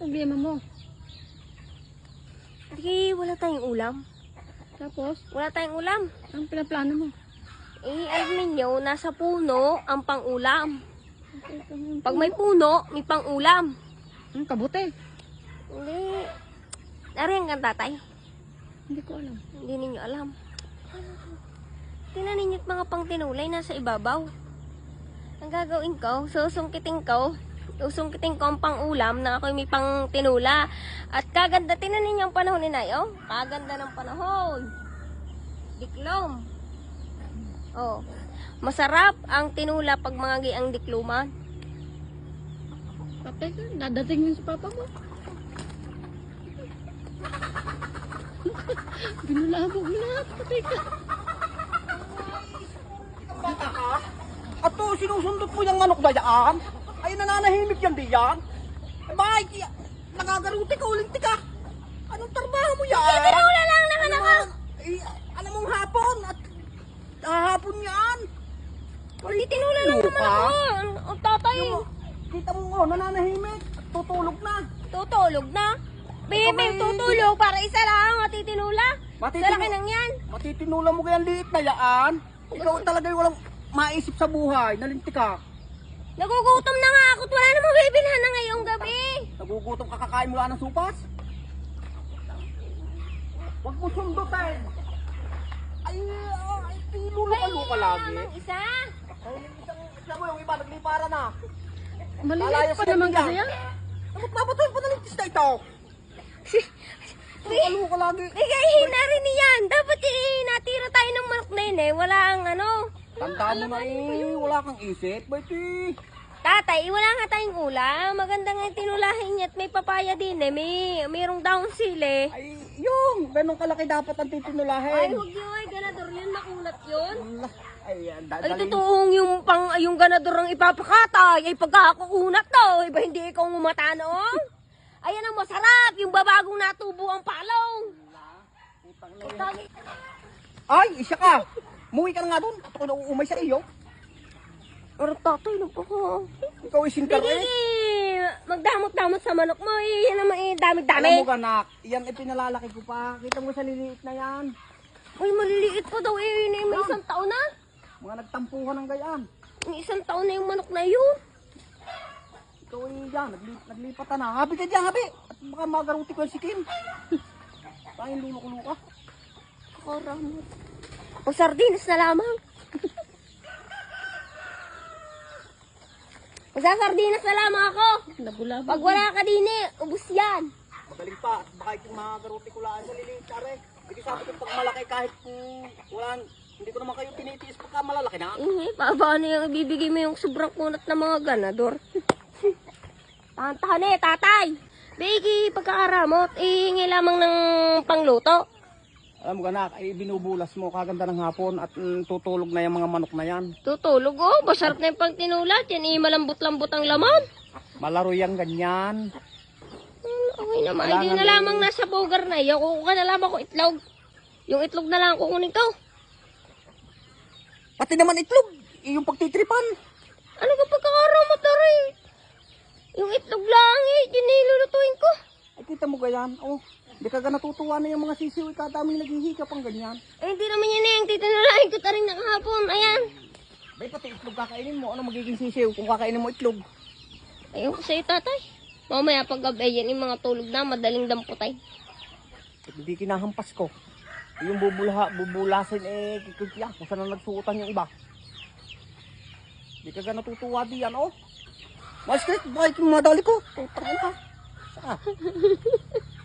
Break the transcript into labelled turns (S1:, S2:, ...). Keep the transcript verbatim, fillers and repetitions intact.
S1: problema mo?
S2: Hindi, wala tayong ulam.
S1: Tapos,
S2: Wala tayong ulam.
S1: anong pinaplano mo?
S2: Eh, alam ninyo, nasa puno ang pang-ulam. Pag may puno, may pang-ulam.
S1: Ang kabuti.
S2: Hindi. Nariyan kang tatay.
S1: Hindi ko alam.
S2: Hindi ninyo alam. Tingnan ninyo't mga pang tinulay nasa ibabaw. Ang gagawin ko, susungkitin ko, susungkitin ko ang pang-ulam na ako'y may pang tinula. At kaganda, tingnan ninyo ang panahon ni Nay, oh. Kaganda ng panahon. Diklom. Oh. Masarap ang tinula pag mga giang dikluman.
S1: Patay ka, dadating yun sa papa mo. Binulabog mo lahat, patay ka.
S3: Bata ka? At to, sinusundot mo yung manok na yan? Ay, nananahimik yan di yan? Eh, bakit? y- Nagagaruti ka, ulinti ka. Anong trabaho mo yan?
S2: Eh, tinula lang naman ako.
S3: Eh, alam mong hapon at hahapon yan.
S2: Hindi tinula lang naman ako. Ang tatay.
S3: Yung, kita mo nga, nananahimik at tutulog na.
S2: Tutulog na. Baby,
S3: may-
S2: tutulog para isa lang at titinula.
S3: Matitinu-
S2: Sa laki nang yan.
S3: Matitinula mo kaya liit na yan. Ikaw talaga yung walang maisip sa buhay, nalinti ka.
S2: Nagugutom na nga ako at wala namang bibilhan na ngayong gabi.
S3: Nagugutom ka, kakain mula ng supas. Huwag mo sundutin. Ay, ay, pinulo ka lagi.
S2: Namang isa.
S3: Ay, isang, isang mo yung iba, naglipara na.
S1: Maliliit
S3: Lalayas
S1: pa
S3: ka
S1: naman
S3: din
S1: kasi
S3: yan.
S1: yan.
S3: Bakit papatuloy pa nalintis na ito? Ano ka lagi?
S2: Bigayin na rin niyan. Dapat eh, natira tayo ng manok na yun eh. Wala ang ano.
S3: Tanda mo na eh, wala kang isip. Ba't eh?
S2: Tatay, wala nga tayong ulam. Maganda nga yung tinulahin niya at may papaya din eh. May, mayroong daong sili.
S3: Ay, yung, ganun kalaki dapat ang
S2: Ay,
S3: titinulahin.
S2: huwag yun. Ay, ganador yun. Nakulat yun.
S3: Ay, yan,
S2: Ay,
S3: dadaling.
S2: totoong yung pang, yung ganador ang ipapakatay. Ay, pagkakakunat to. Iba hindi ikaw umata noong. Ayan ang masarap. Yung babagong natubo ang palong. Tatay,
S3: Ay, isa ka. Muwi ka na nga doon. At ako na uumay sa iyo.
S2: pero tatay, ano pa ko?
S3: Ikaw ay singkar eh.
S2: Sige, magdamot-damot sa manok mo. Eh, yan naman eh, dami-dami.
S3: Alam mo ganak, yan ay pinalalaki ko pa. Kita mo sa liliit na yan.
S2: Uy, maliliit pa daw eh. Yun eh, may isang taon na.
S3: Mga nagtampuhan ng gayaan.
S2: May isang taon na yung manok na yun.
S3: Ikaw ay yan, naglip, naglipat ka na. Habi ka dyan, habi. At baka magaruti ko yung sikin. Kain luluko-luka.
S2: Karamot. O sardinas na lamang. Magsasardinas na lamang ako.
S1: Nagulabog.
S2: Pag wala ka din eh, ubus yan.
S3: Magaling pa. At baka yung magaruti ko laan sa liliit ka rin. Hindi sabi ko pag malaki kahit kung wala, hindi ko naman kayo tinitiis pagka malalaki na.
S2: Eh, pa- paano yung ibibigay mo yung sobrang kunat ng mga ganador? Tahan-tahan eh, tatay. Bigi, pagkakaramot, ihingi lamang ng pangluto.
S3: Alam mo ganak, ay binubulas mo kaganda ng hapon at mm, tutulog na yung mga manok na yan.
S2: Tutulog oh, masarap na yung pagtinulat. Yan eh, malambot-lambot ang laman.
S3: Malaro yung ganyan.
S2: Hmm, okay naman,
S3: Kailangan
S2: hindi na
S3: din-
S2: lamang nasa bogar na iyo. Kukuha na lamang ko itlog. Yung itlog na lang kukunin ko.
S3: Pati naman itlog, eh, yung pagtitripan.
S2: Ano ka pagkakaramot na rin? Yung itlog lang eh, yun na ilulutuin ko.
S3: Ay kita mo ganyan, oh. Hindi ka ga natutuwa na yung mga sisiw, ikadaming naghihika pang ganyan.
S2: Eh, hindi naman yan eh, yung titinulahin ko ta rin nakahapon. Ayan.
S3: Bay, pati itlog kakainin mo, ano magiging sisiw kung kakainin mo itlog?
S2: Ayun ko sa'yo, tatay. Mamaya pag gabi yan, yung mga tulog na, madaling damputay.
S3: Eh, hindi kinahampas ko. Yung bubula, bubulasin eh, kikikya, kung saan na nagsuotan yung iba. Hindi ka ga natutuwa diyan, oh. Mas kaya, bakit yung madali ko? Tutang na. Saka.